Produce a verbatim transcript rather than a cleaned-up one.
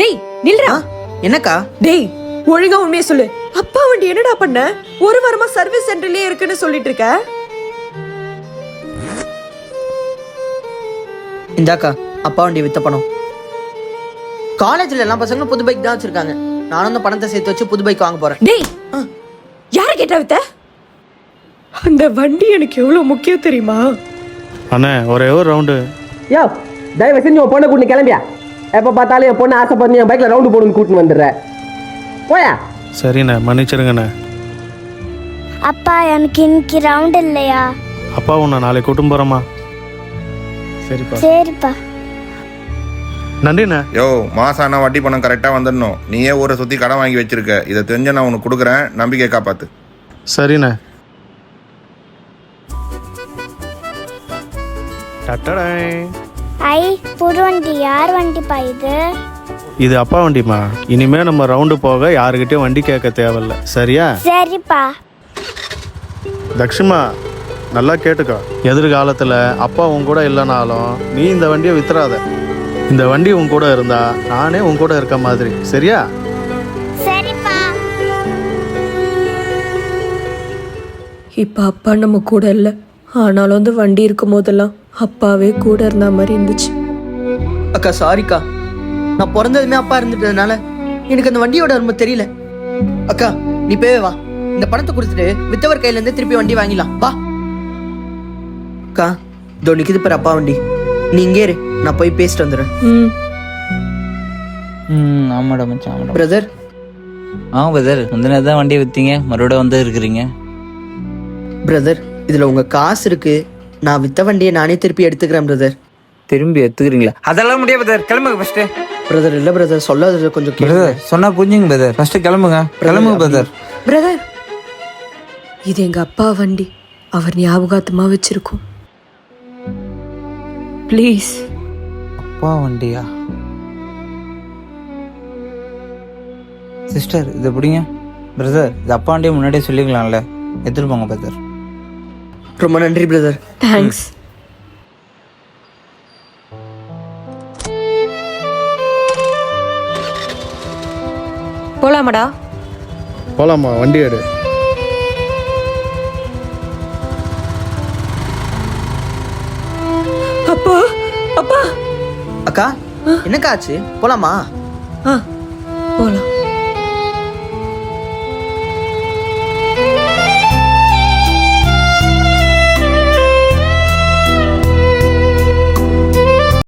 டேய் நில்றா. என்னக்கா? டேய் ஒழுங்கா உண்மையை சொல்லு. அப்பா வண்டி என்னடா பண்ண? ஒரு வாரமா சர்வீஸ் சென்டர்லயே இருக்குன்னு சொல்லிட்டு இருக்க. இந்தாக்கா அப்பா வண்டி வித்த பணம். காலேஜ்ல எல்லா பசங்களும் புது பைக் தான் வச்சிருக்காங்க. நானும் அந்த பணத்தை சேர்த்து வச்சு புது பைக் வாங்க போறேன். டேய் யார கேட்டா வித்த? அந்த வண்டி எனக்கு எவ்வளவு முக்கியம் தெரியுமா? அண்ணே ஒரே ஒரு ரவுண்டு. யோ தயவு செஞ்சு உன் பொண்ணை கூட்டு கிளம்பியா? எப்போ பார்த்தாலும் என் பொண்ணு ஆசைப்பட்டு என் பைக்கில் ரவுண்டு போடுன்னு கூட்டின்னு வந்துடுற. போயா. சரிண்ணே மன்னிச்சிருங்கண்ணே. அப்பா எனக்கு இன்னைக்கு ரவுண்ட் இல்லையா? அப்பா உன்னை நாளைக்கு கூட்டும் போகிறோமா? சரிப்பா. சரிப்பா. நன்றிண்ணே. யோ மாசம் ஆனால் வட்டி பணம் கரெக்டாக வந்துடணும். நீயே ஊரை சுற்றி கடன் வாங்கி வச்சிருக்க. இதை தெரிஞ்ச நான் உனக்கு கொடுக்குறேன். நம்பிக்கை காப்பாத்து. சரிண்ணே. டட்டடாய். ஐ புது வண்டி. யார் வண்டிப்பா இது? இது அப்பா வண்டிமா. இனிமே நம்ம ரவுண்டு போக யாருக்கிட்டையும் வண்டி கேட்க தேவையில்ல. சரியா? சரிப்பா. தக்ஷிமா நல்லா கேட்டுக்கோ. எதிர்காலத்தில் அப்பா உன் கூட இல்லைனாலும் நீ இந்த வண்டியை வித்துறாத. இந்த வண்டி உன் கூட இருந்தா நானே உன் கூட இருக்க மாதிரி. சரியா? சரிப்பா. இப்ப அப்பா நம்ம கூட இல்ல. ஆனாலும் அந்த வண்டி இருக்கும் போதெல்லாம் அப்பாவே கூட இருந்த மாதிரி இருந்துச்சு. அக்கா சாரிக்கா. நான் பிறந்ததுமே அப்பா இருந்துட்டதுனால எனக்கு அந்த வண்டியோட ரொம்ப தெரியல. அக்கா நீ போவே வா. இந்த பணத்தை கொடுத்துட்டு வித்தவர் கையில இருந்து திருப்பி வண்டி வாங்கிடலாம் வா. அக்கா இதோ நிக்குது பாரு அப்பா வண்டி. நீ இங்கே இரு, நான் போய் பேசிட்டு வந்துடுறேன். ம் ம் ஆமாடா மச்சான் ஆமாடா. பிரதர். ஆ பிரதர் முந்தின தான் வண்டியை விற்றீங்க, மறுபடியும் வந்து இருக்கிறீங்க. பிரதர் இதுல உங்க காசு இருக்கு. நான் வித்த வண்டியை நானே திருப்பி எடுத்துக்கிறேன் பிரதர். திரும்பி எடுத்துக்கிறீங்களா? அதெல்லாம் முடியாது பிரதர், கிளம்புங்க ஃபர்ஸ்ட். பிரதர் இல்ல பிரதர், சொல்லாத கொஞ்சம் கேளுங்க. பிரதர் சொன்னா புரிஞ்சுங்க பிரதர், ஃபர்ஸ்ட் கிளம்புங்க. கிளம்புங்க பிரதர். பிரதர் இது எங்க அப்பா வண்டி. அவர் ஞாபகார்த்தமா வச்சிருக்கோம். ப்ளீஸ். அப்பா வண்டியா? சிஸ்டர் இது எப்படிங்க? பிரதர் இது அப்பா வண்டியை முன்னாடியே சொல்லிக்கலாம்ல. எடுத்துட்டு போங்க பிரதர். ரொம்ப நன்றி பிரதர். தேங்க்ஸ். போலாமாடா? போலாமா? வண்டி எடு. அப்பா அப்பா. அக்கா என்னக்கா ஆச்சு? போலாமா? ஆ போலாம்.